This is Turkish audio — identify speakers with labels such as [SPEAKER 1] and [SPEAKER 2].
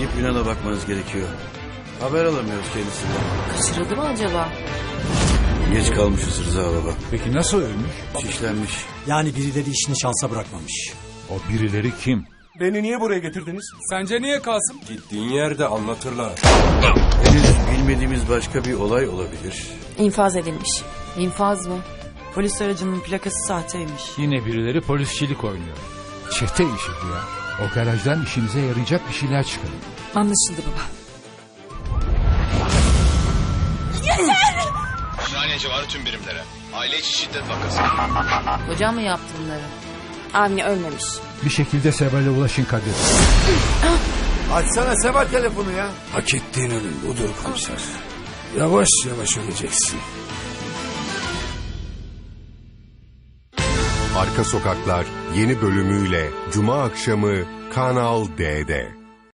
[SPEAKER 1] Gidip Yunan'a bakmanız gerekiyor. Haber alamıyoruz kendisinden.
[SPEAKER 2] Kaçırıldı mı acaba?
[SPEAKER 1] Geç kalmışız Rıza baba.
[SPEAKER 3] Peki nasıl ölmüş?
[SPEAKER 1] Şişlenmiş.
[SPEAKER 4] Yani birileri işini şansa bırakmamış.
[SPEAKER 3] O birileri kim?
[SPEAKER 5] Beni niye buraya getirdiniz?
[SPEAKER 6] Sence niye Kasım?
[SPEAKER 5] Gittiğin yerde anlatırlar.
[SPEAKER 1] Henüz bilmediğimiz başka bir olay olabilir.
[SPEAKER 2] İnfaz edilmiş. İnfaz mı?
[SPEAKER 7] Polis aracının plakası sahteymiş.
[SPEAKER 3] Yine birileri polisçilik oynuyor. Çete işi bu ya. O garajdan işinize yarayacak bir şeyler çıkarın.
[SPEAKER 2] Anlaşıldı baba.
[SPEAKER 8] Ümraniye civarı tüm birimlere. Aile içi şiddet vakası.
[SPEAKER 2] Hocam mı yaptı bunları? Avni ölmemiş.
[SPEAKER 3] Bir şekilde Seval'e ulaşın Kadir.
[SPEAKER 9] Açsana Seval telefonu ya.
[SPEAKER 5] Hak ettiğin ölüm budur komiser. Yavaş yavaş öleceksin.
[SPEAKER 10] Arka Sokaklar yeni bölümüyle Cuma akşamı Kanal D'de.